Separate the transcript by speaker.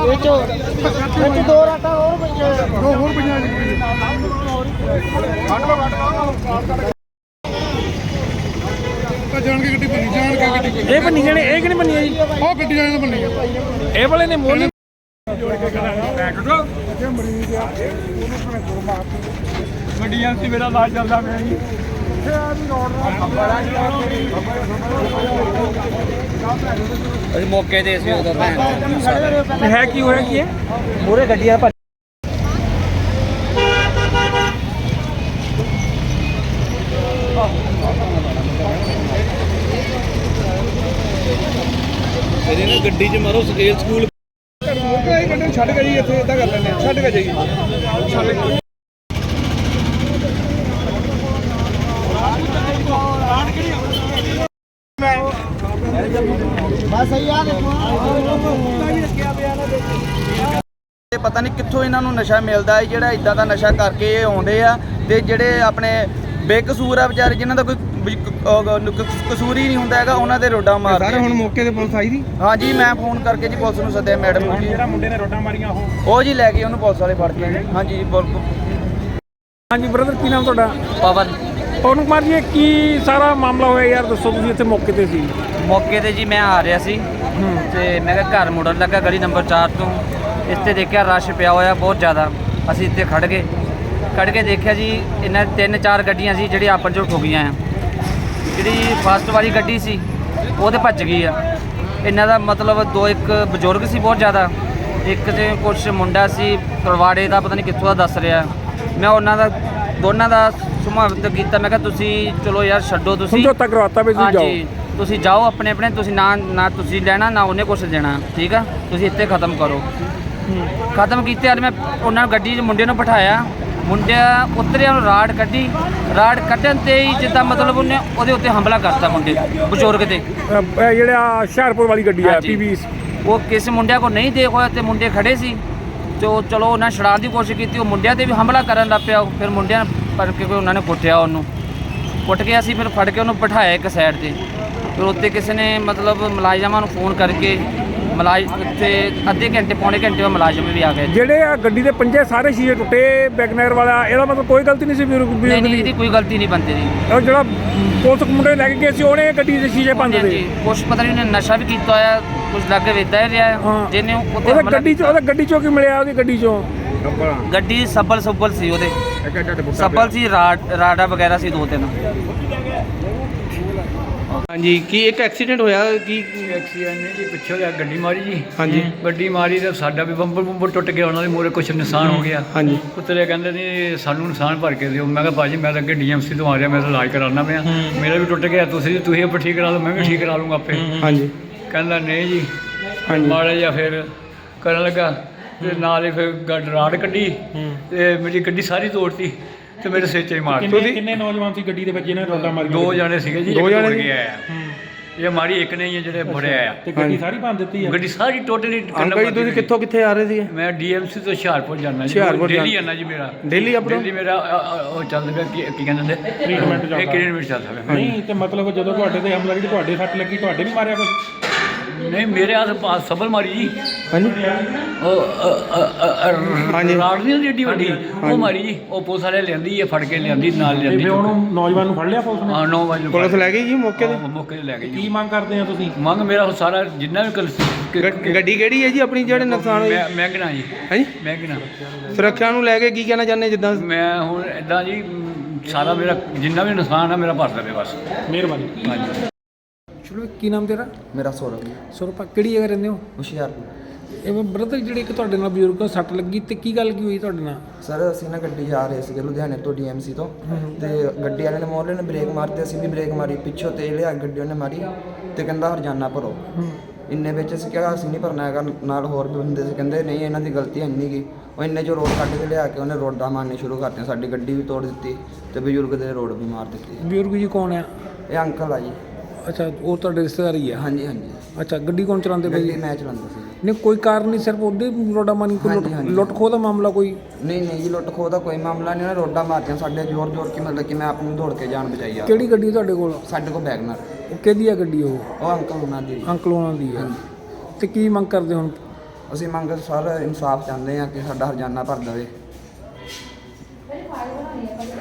Speaker 1: दो राटा और
Speaker 2: जान के गड्डी बनी जान के गड्डी
Speaker 3: ਇਹ ਬੰਨੀ ਜਾਣੇ ਇਹ ਕਿਹਨੇ ਬੰਨੀ ਆ ਜੀ
Speaker 2: ਉਹ ਗੱਡੀ ਜਾਣ ਬਣੀ
Speaker 3: ਇਹ ਵਾਲੇ ਨੇ ਮੋਲੀ
Speaker 2: ਗੱਡੀਆਂ ਸੀ ਮੇਰਾ ਲਾਜ ਚੱਲਦਾ ਪਿਆ ਜੀ
Speaker 1: ਅਸੀਂ ਮੌਕੇ ਤੇ ਸੀ ਉਧਰ
Speaker 3: ਹੈ ਕੀ ਹੋਇਆ ਕੀ ਹੈ
Speaker 1: ਮੂਰੇ ਗੱਡੀਆਂ
Speaker 2: ਇਹਦੇ ਨਾਲ ਗੱਡੀ 'ਚ ਮਾਰੋ ਸਕੇਲ ਸਕੂਲ ਗੱਡੀ ਛੱਡ ਕੇ ਜੀ ਇੱਥੇ ਇਦਾਂ ਕਰ ਲੈਂਦੇ ਛੱਡ ਕੇ ਜਾਈਏ
Speaker 1: ਪਤਾ ਨਹੀਂ ਕਿੱਥੋਂ ਇਹਨਾਂ ਨੂੰ ਨਸ਼ਾ ਮਿਲਦਾ ਹੈ ਜਿਹੜਾ ਇਦਾਂ ਦਾ ਨਸ਼ਾ ਕਰਕੇ ਇਹ ਆਉਂਦੇ ਆ ਤੇ ਜਿਹੜੇ ਆਪਣੇ ਬੇਕਸੂਰ ਆ ਵਿਚਾਰੇ ਜਿਨ੍ਹਾਂ ਦਾ ਕੋਈ ਕਸੂਰ ਹੀ ਨਹੀਂ ਹੁੰਦਾ ਹੈਗਾ ਉਹਨਾਂ ਦੇ ਰੋਡਾਂ ਮਾਰਦੇ
Speaker 2: ਸਾਰੇ ਹੁਣ ਮੌਕੇ ਤੇ ਪੁਲਿਸ ਆਈ ਦੀ
Speaker 1: ਹਾਂਜੀ ਮੈਂ ਫੋਨ ਕਰਕੇ ਜੀ ਪੁਲਿਸ ਨੂੰ ਸੱਦਿਆ ਮੈਡਮ ਨੂੰ ਜੀ
Speaker 3: ਜਿਹੜਾ ਮੁੰਡੇ ਨੇ ਰੋਡਾਂ ਮਾਰੀਆਂ
Speaker 1: ਉਹ ਜੀ ਲੈ ਕੇ ਉਹਨੂੰ ਪੁਲਿਸ ਵਾਲੇ ਫੜ ਕੇ ਹਾਂਜੀ
Speaker 3: ਹਾਂਜੀ ਬ੍ਰਦਰ ਕੀ ਨਾਮ ਤੁਹਾਡਾ
Speaker 1: ਪਵਨ
Speaker 3: ਪਵਨ ਕੁਮਾਰ ਜੀ ਇਹ ਕੀ ਸਾਰਾ ਮਾਮਲਾ ਹੋਇਆ ਯਾਰ ਦੱਸੋ ਤੁਸੀਂ ਇੱਥੇ ਮੌਕੇ ਤੇ ਸੀ
Speaker 1: ਮੌਕੇ ਤੇ ਜੀ ਮੈਂ ਆ ਰਿਹਾ ਸੀ ਤੇ ਮੈਂ ਕਿਹਾ ਘਰ ਮੁੜਨ ਲੱਗਾ ਗਲੀ ਨੰਬਰ 4 ਤੋਂ ਇਸ ਤੇ ਦੇਖਿਆ ਰਸ਼ ਪਿਆ ਹੋਇਆ ਬਹੁਤ ਜ਼ਿਆਦਾ ਅਸੀਂ ਇੱਥੇ ਖੜ ਕੇ ਦੇਖਿਆ ਜੀ ਇਹਨਾਂ 3-4 ਗੱਡੀਆਂ ਸੀ ਜਿਹੜੀ ਆਪਸ 'ਚ ਠੋਕੀਆਂ ਆ ਜਿਹੜੀ ਫਸਟ ਵਾਲੀ ਗੱਡੀ ਸੀ ਉਹ ਤੇ ਭੱਜ ਗਈ ਆ ਇਹਨਾਂ ਦਾ ਮਤਲਬ ਇੱਕ ਬਜ਼ੁਰਗ ਸੀ ਬਹੁਤ ਜ਼ਿਆਦਾ ਇੱਕ ਤੇ ਕੁਛ ਮੁੰਡਾ ਸੀ ਤਲਵਾੜੇ ਦਾ ਪਤਾ ਨਹੀਂ ਕਿੱਥੋਂ ਦਾ ਦੱਸ ਰਿਹਾ ਮੈਂ ਉਹਨਾਂ ਦਾ ਦੋਨਾਂ ਦਾ ਸਮਝਾਵਤ ਕੀਤਾ ਮੈਂ ਕਿਹਾ ਤੁਸੀਂ ਚਲੋ ਯਾਰ ਛੱਡੋ ਤੁਸੀਂ
Speaker 3: ਸਮਝੌਤਾ ਕਰਵਾਤਾ ਵੀ ਤੁਸੀਂ ਜਾਓ
Speaker 1: ਤੁਸੀਂ ਜਾਓ ਆਪਣੇ ਤੁਸੀਂ ਨਾ ਤੁਸੀਂ ਲੈਣਾ ਨਾ ਉਹਨੇ ਕੁਛ ਦੇਣਾ ਠੀਕ ਆ ਤੁਸੀਂ ਇੱਥੇ ਖਤਮ ਕਰੋ ਖਤਮ ਕੀਤੇ ਯਾਰ ਮੈਂ ਉਹਨਾਂ ਨੂੰ ਗੱਡੀ 'ਚ ਮੁੰਡੇ ਨੂੰ ਬਿਠਾਇਆ ਮੁੰਡਿਆ ਉਤਰਿਆ ਨੂੰ ਰਾੜ ਕੱਢਣ ਤੇ ਹੀ ਜਿੱਦਾਂ ਮਤਲਬ ਉਹਨੇ ਉਹਦੇ ਉੱਤੇ ਹਮਲਾ ਕਰਤਾ ਮੁੰਡੇ ਬਜ਼ੁਰਗ ਤੇ
Speaker 3: ਜਿਹੜਾ ਹੁਸ਼ਿਆਰਪੁਰ ਵਾਲੀ ਗੱਡੀ ਆ ਪੀਵੀ
Speaker 1: ਉਹ ਕਿਸੇ ਮੁੰਡਿਆਂ ਕੋਲ ਨਹੀਂ ਦੇਖ ਹੋਇਆ ਤੇ ਮੁੰਡੇ ਖੜੇ ਸੀ ਜੋ ਚਲੋ ਉਹਨਾਂ ਛਡਾਉਣ ਦੀ ਕੋਸ਼ਿਸ਼ ਕੀਤੀ ਉਹ ਮੁੰਡਿਆਂ ਤੇ ਵੀ ਹਮਲਾ ਕਰਨ ਲੱਗ ਪਿਆ ਫਿਰ ਮੁੰਡਿਆਂ ਫੜ ਕੇ ਉਹਨਾਂ ਨੇ ਕੁੱਟਿਆ ਉਹਨੂੰ ਕੁੱਟ ਕੇ ਅਸੀਂ ਫਿਰ ਫੜ ਕੇ ਉਹਨੂੰ ਬਿਠਾਇਆ ਇੱਕ ਸਾਈਡ ਤੇ ਫਿਰ ਉੱਤੇ ਕਿਸੇ ਨੇ ਮਤਲਬ ਮੁਲਾਜ਼ਮਾਂ ਨੂੰ ਫੋਨ ਕਰਕੇ ਉੱਥੇ ਅੱਧੇ ਘੰਟੇ ਪੌਣੇ ਘੰਟੇ ਬਾਅਦ ਮੁਲਾਜ਼ਮ ਵੀ ਆ ਗਏ
Speaker 3: ਜਿਹੜੇ ਆ ਗੱਡੀ ਦੇ ਪੰਜੇ ਸਾਰੇ ਸ਼ੀਸ਼ੇ ਟੁੱਟੇ ਬੈਗਨਰ ਵਾਲਾ ਇਹਦਾ ਮਤਲਬ ਕੋਈ ਗਲਤੀ ਨਹੀਂ ਸੀ
Speaker 1: ਨਹੀਂ ਇਹਦੀ ਕੋਈ ਗਲਤੀ ਨਹੀਂ ਬੰਦੇ ਦੀ
Speaker 3: ਉਹ ਜਿਹੜਾ ਪੁਲਿਸ ਮੁੰਡੇ ਲੈ ਕੇ ਗਏ ਸੀ ਉਹਨੇ ਗੱਡੀ ਦੇ ਸ਼ੀਸ਼ੇ ਭੰਨ ਦਿੱਤੇ
Speaker 1: ਕੁਛ ਪਤਾ ਨਹੀਂ ਉਹਨੇ ਨਸ਼ਾ ਵੀ ਕੀਤਾ ਹੋਇਆ ਕੁਝ ਲੱਗੇ ਵੇਚਦਾ ਰਿਹਾ ਜਿਹਨੇ
Speaker 3: ਉਹਦੇ ਗੱਡੀ ਚੋਂ ਕੀ ਮਿਲਿਆ ਉਹਦੀ ਗੱਡੀ ਚੋਂ
Speaker 1: ਗੱਡੀ ਸੱਬਲ ਸੀ ਉਹਦੇ ਸੱਬਲ ਸੀ ਰਾਡਾ ਵਗੈਰਾ ਸੀ 2-3
Speaker 2: ਹਾਂਜੀ ਕੀ ਇੱਕ ਐਕਸੀਡੈਂਟ ਹੋਇਆ ਕੀ
Speaker 4: ਐਕਸੀਡੈਂਟ ਨਹੀਂ ਜੀ ਪਿੱਛੋਂ ਲਿਆ ਗੱਡੀ ਮਾਰੀ ਜੀ
Speaker 2: ਹਾਂਜੀ
Speaker 4: ਗੱਡੀ ਮਾਰੀ ਤੇ ਸਾਡਾ ਵੀ ਬੰਬਰ ਟੁੱਟ ਗਿਆ ਉਹਨਾਂ ਦੇ ਮੂਹਰੇ ਕੁਛ ਨੁਕਸਾਨ ਹੋ ਗਿਆ
Speaker 2: ਹਾਂਜੀ
Speaker 4: ਪੁੱਤਰੇ ਕਹਿੰਦੇ ਨੇ ਸਾਨੂੰ ਨੁਕਸਾਨ ਭਰ ਕੇ ਦਿਓ ਮੈਂ ਕਿਹਾ ਭਾਜੀ ਮੈਂ ਤਾਂ ਅੱਗੇ ਡੀਐਮਸੀ ਤੋਂ ਆ ਰਿਹਾ ਮੈਂ ਤਾਂ ਇਲਾਜ ਕਰਾਉਣਾ ਪਿਆ ਮੇਰਾ ਵੀ ਟੁੱਟ ਗਿਆ ਤੁਸੀਂ ਆਪ ਠੀਕ ਕਰਾ ਲਓ ਮੈਂ ਵੀ ਠੀਕ ਕਰਾ ਲੂੰਗਾ ਆਪੇ
Speaker 2: ਹਾਂਜੀ
Speaker 4: ਕਹਿੰਦਾ ਨਹੀਂ ਜੀ
Speaker 2: ਹਾਂਜੀ
Speaker 4: ਮਾੜਾ ਜਿਹਾ ਫਿਰ ਕਰਨ ਲੱਗਾ ਤੇ ਨਾਲ ਹੀ ਫਿਰ ਰਾੜ ਕੱਢੀ ਤੇ ਮੇਰੀ ਗੱਡੀ ਸਾਰੀ ਤੋੜਤੀ ਤੇ ਮੇਰੇ ਸਿਰ 'ਚ ਹੀ ਮਾਰ
Speaker 3: ਕਿੰਨੇ ਨੌਜਵਾਨ ਸੀ ਗੱਡੀ ਦੇ ਵਿੱਚ ਜਿਹਨਾਂ ਰੋਡਾ ਮਾਰੀ
Speaker 4: 2 ਜਣੇ ਸੀਗੇ ਜੀ
Speaker 2: 2 ਜਣੇ
Speaker 4: ਗਿਆ ਇਹ ਮਾਰੀ ਇੱਕ ਨਹੀਂ ਹੈ ਜਿਹੜੇ ਫੜਿਆ ਆ
Speaker 3: ਤੇ ਗੱਡੀ ਸਾਰੀ ਭੰਨ ਦਿੱਤੀ ਆ
Speaker 4: ਗੱਡੀ ਸਾਰੀ ਟੋਟਲੀ
Speaker 2: ਅੰਕਲ ਜੀ ਤੁਸੀਂ ਕਿੱਥੇ ਆ ਰਹੇ ਸੀ
Speaker 4: ਮੈਂ ਡੀਐਮਸੀ ਤੋਂ ਹੁਸ਼ਿਆਰਪੁਰ ਜਾਣਾ ਜੀ ਦਿੱਲੀ ਜਾਣਾ ਜੀ ਮੇਰਾ
Speaker 2: ਦਿੱਲੀ ਆਪਣਾ
Speaker 4: ਦਿੱਲੀ ਮੇਰਾ ਉਹ ਚੱਲ ਰਿਹਾ ਕੀ ਕਹਿੰਦੇ ਨੇ
Speaker 3: ਟ੍ਰੀਟਮੈਂਟ
Speaker 4: ਚੱਲ ਰਿਹਾ
Speaker 3: ਨਹੀਂ ਤੇ ਮਤਲਬ ਜਦੋਂ ਤੁਹਾਡੇ ਤੇ ਹਮਲਾ ਕੀਤੀ ਤੁਹਾਡੇ ਸੱਟ ਲੱਗੀ ਤੁਹਾਡੇ ਨਹੀਂ ਮਾਰਿਆ ਕੁਝ
Speaker 4: ਨਹੀਂ ਮੇਰੇ ਆਸ ਸਬਲ ਮਾਰੀ ਜੀ
Speaker 2: ਹਾਂਜੀ
Speaker 4: ਹਾਂਜੀ ਰਾੜ ਨਹੀਂ ਏਡੀ ਵੱਡੀ ਉਹ ਮਾਰੀ ਜੀ ਉਹ ਪੁਲਿਸ ਵਾਲੇ ਲਿਆਂਦੀ ਫੜ ਕੇ ਲਿਆਂਦੀ ਨਾਲ ਲਿਆਂਦੀ
Speaker 3: ਤੇ ਉਹਨੂੰ ਨੌਜਵਾਨ ਨੂੰ ਫੜ ਲਿਆ ਪੁਲਿਸ ਨੇ
Speaker 4: ਹਾਂ 9 ਵਜੇ
Speaker 2: ਪੁਲਿਸ ਲੈ ਗਈ ਜੀ ਮੌਕੇ
Speaker 4: ਤੇ ਲੈ ਗਈ
Speaker 3: ਕੀ ਮੰਗ ਕਰਦੇ ਆ ਤੁਸੀਂ
Speaker 4: ਮੰਗ ਮੇਰਾ ਸਾਰਾ ਜਿੰਨਾ ਵੀ
Speaker 2: ਗੱਡੀ ਕਿਹੜੀ ਹੈ ਜੀ ਆਪਣੀ ਜਿਹੜੇ ਨੁਕਸਾਨ ਹੋਏ
Speaker 4: ਮਹਿੰਗਣਾ ਜੀ
Speaker 2: ਹਾਂਜੀ
Speaker 4: ਮਹਿੰਗਣਾ
Speaker 2: ਸੁਰੱਖਿਆ ਨੂੰ ਲੈ ਕੇ ਕੀ ਕਹਿਣਾ ਚਾਹੁੰਦੇ ਜਿੱਦਾਂ
Speaker 4: ਮੈਂ ਹੁਣ ਇਦਾਂ ਜੀ ਸਾਰਾ ਮੇਰਾ ਜਿੰਨਾ ਵੀ ਨੁਕਸਾਨ ਆ ਮੇਰਾ ਭਰ ਦੇਵੇ ਬਸ
Speaker 3: ਮਿਹਰਬਾਨੀ
Speaker 4: ਹਾਂਜੀ
Speaker 3: ਚਲੋ ਕੀ ਨਾਮ ਤੇਰਾ
Speaker 1: ਮੇਰਾ ਸੌਰਵ
Speaker 3: ਸੁਰਪਾ ਕਿਹੜੀ ਜਗ੍ਹਾ ਰਹਿੰਦੇ ਹੋ
Speaker 1: ਹੁਸ਼ਿਆਰਪੁਰ
Speaker 3: ਇਹ ਬ੍ਰਦਰ ਜਿਹੜੇ ਕਿ ਤੁਹਾਡੇ ਨਾਲ ਬਜ਼ੁਰਗ ਸੱਟ ਲੱਗੀ ਤੇ ਕੀ ਗੱਲ ਕੀ ਹੋਈ ਤੁਹਾਡੇ ਨਾਲ
Speaker 5: ਸਰ ਅਸੀਂ ਨਾ ਗੱਡੀ ਜਾ ਰਹੇ ਸੀਗੇ ਲੁਧਿਆਣੇ ਤੋਂ ਡੀਐਮਸੀ ਤੋਂ ਤੇ ਗੱਡੀ ਵਾਲੇ ਨੇ ਮੋਹਰੇ ਨੇ ਬ੍ਰੇਕ ਮਾਰਤੀ ਅਸੀਂ ਵੀ ਬ੍ਰੇਕ ਮਾਰੀ ਪਿੱਛੋਂ ਤੇਲ ਲਿਆ ਗੱਡੀ ਉਹਨੇ ਮਾਰੀ ਤੇ ਕਹਿੰਦਾ ਹਰਜਾਨਾ ਭਰੋ ਇੰਨੇ ਵਿੱਚ ਅਸੀਂ ਕਿਹਾ ਅਸੀਂ ਨਹੀਂ ਭਰਨਾ ਹੈਗਾ ਨਾਲ ਹੋਰ ਵੀ ਬੰਦੇ ਸੀ ਕਹਿੰਦੇ ਨਹੀਂ ਇਹਨਾਂ ਦੀ ਗਲਤੀ ਹੈ ਨਹੀਂ ਗੀ ਉਹ ਇੰਨੇ 'ਚੋਂ ਰੋਡ ਕੱਢ ਕੇ ਲਿਆ ਕੇ ਉਹਨੇ ਰੋਡਾਂ ਮਾਰਨੇ ਸ਼ੁਰੂ ਕਰਤੀਆਂ ਸਾਡੀ ਗੱਡੀ ਵੀ ਤੋੜ ਦਿੱਤੀ ਤੇ ਬਜ਼ੁਰਗ ਦੇ ਰੋਡ ਵੀ ਮਾਰ ਦਿੱਤੀ
Speaker 3: ਬਜ਼ੁਰਗ ਜੀ ਕੌਣ ਆ
Speaker 5: ਇਹ ਅੰਕਲ ਆ ਜੀ
Speaker 3: ਅੱਛਾ ਉਹ ਤੁਹਾਡੇ ਰਿਸ਼ਤੇਦਾਰ ਹੀ ਆ
Speaker 5: ਹਾਂਜੀ ਹਾਂਜੀ
Speaker 3: ਅੱਛਾ ਗੱਡੀ ਕੌਣ ਚਲਾਉਂਦੇ ਪਏ
Speaker 5: ਗੱਡੀ ਮੈਂ ਚਲਾਉਂਦਾ ਸੀ
Speaker 3: ਨਹੀਂ ਕੋਈ ਕਾਰਨ ਨਹੀਂ ਸਿਰਫ ਉਹਦੇ ਰੋਡਾ ਮਾਰੀ ਕੋਈ ਲੁੱਟ ਖੋਹ ਦਾ ਮਾਮਲਾ ਕੋਈ
Speaker 5: ਨਹੀਂ ਜੀ ਲੁੱਟ ਖੋਹ ਦਾ ਕੋਈ ਮਾਮਲਾ ਨਹੀਂ ਉਹਨੇ ਰੋਡਾਂ ਮਾਰਤੀਆਂ ਸਾਡੇ ਜ਼ੋਰ ਕੇ ਮਤਲਬ ਕਿ ਮੈਂ ਆਪਣੀ ਦੌੜ ਕੇ ਜਾਨ ਬਚਾਈ ਆ
Speaker 3: ਕਿਹੜੀ ਗੱਡੀ ਤੁਹਾਡੇ ਕੋਲ
Speaker 5: ਸਾਡੇ ਕੋਲ ਬੈਗਨਰ
Speaker 3: ਉਹ ਕਿਹਦੀ ਆ ਗੱਡੀ ਉਹ
Speaker 5: ਉਹ ਅੰਕਲ ਉਹਨਾਂ ਦੀ
Speaker 3: ਅੰਕਲ ਉਹਨਾਂ ਦੀ ਆ ਤੇ ਕੀ ਮੰਗ ਕਰਦੇ ਹੁਣ
Speaker 5: ਅਸੀਂ ਮੰਗ ਸਰ ਇਨਸਾਫ ਚਾਹੁੰਦੇ ਹਾਂ ਕਿ ਸਾਡਾ ਹਰਜਾਨਾ ਭਰ ਦੇਵੇ।